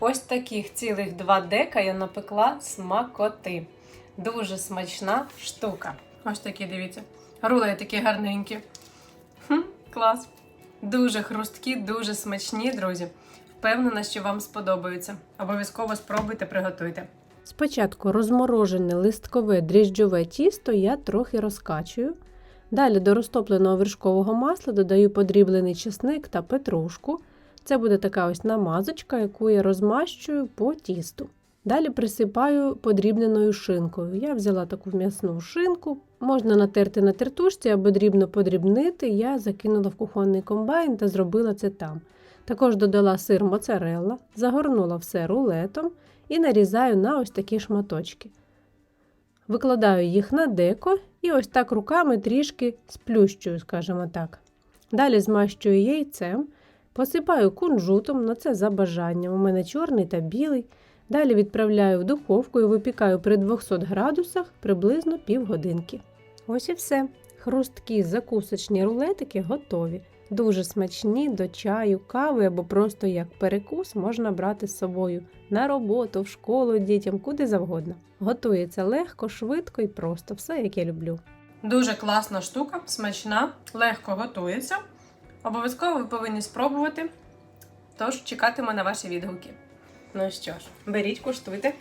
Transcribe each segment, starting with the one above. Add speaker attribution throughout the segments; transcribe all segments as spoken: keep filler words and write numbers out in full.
Speaker 1: Ось таких цілих два дека я напекла смакоти. Дуже смачна штука. Ось такі, дивіться. Рулеї такі гарненькі. Хм, клас. Дуже хрусткі, дуже смачні, друзі. Впевнена, що вам сподобаються. Обов'язково спробуйте, приготуйте. Спочатку розморожене листкове дріжджове тісто я трохи розкачую. Далі до розтопленого вершкового масла додаю подріблений чесник та петрушку. Це буде така ось намазочка, яку я розмащую по тісту. Далі присипаю подрібненою шинкою. Я взяла таку м'ясну шинку. Можна натерти на тертушці або дрібно подрібнити. Я закинула в кухонний комбайн та зробила це там. Також додала сир моцарелла, загорнула все рулетом і нарізаю на ось такі шматочки. Викладаю їх на деко і ось так руками трішки сплющую, скажімо так. Далі змащую яйцем, посипаю кунжутом, на це за бажанням. У мене чорний та білий. Далі відправляю в духовку і випікаю при двохсот градусах приблизно півгодинки. Ось і все. Хрусткі закусочні рулетики готові. Дуже смачні до чаю, кави або просто як перекус можна брати з собою на роботу, в школу дітям, куди завгодно. Готується легко, швидко і просто. Все, як я люблю. Дуже класна штука, смачна, легко готується. Обов'язково ви повинні спробувати. Тож чекатиму на ваші відгуки. Ну що ж, беріть, куштуйте.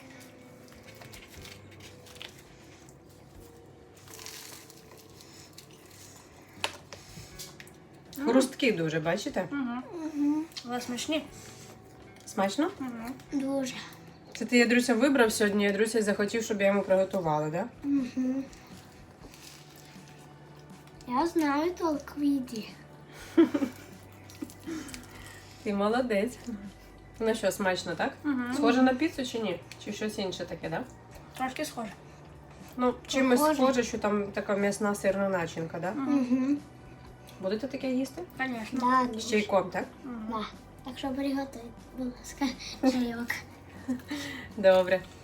Speaker 1: Хрусткі дуже, бачите?
Speaker 2: Угу. Угу. Але смачні.
Speaker 1: Смачно?
Speaker 2: Угу. Дуже.
Speaker 1: Це ти, Ядруся, вибрав сьогодні, Ядруся захотів, щоб я йому приготувала, так? Да?
Speaker 2: Угу. Я знаю толк в їді.
Speaker 1: Ти молодець. Ну що, смачно, так?
Speaker 2: Угу.
Speaker 1: Схоже на піцу чи ні? Чи щось інше таке, так? Да?
Speaker 2: Трошки схоже.
Speaker 1: Ну, чимось
Speaker 2: Похоже.
Speaker 1: схоже, що там така м'ясна сирна начинка, так? Да?
Speaker 2: Угу.
Speaker 1: Будете таке їсти?
Speaker 2: Звісно.
Speaker 1: З чайком, так?
Speaker 2: Да. Так що приготуй, будь ласка, чайок.
Speaker 1: Добре.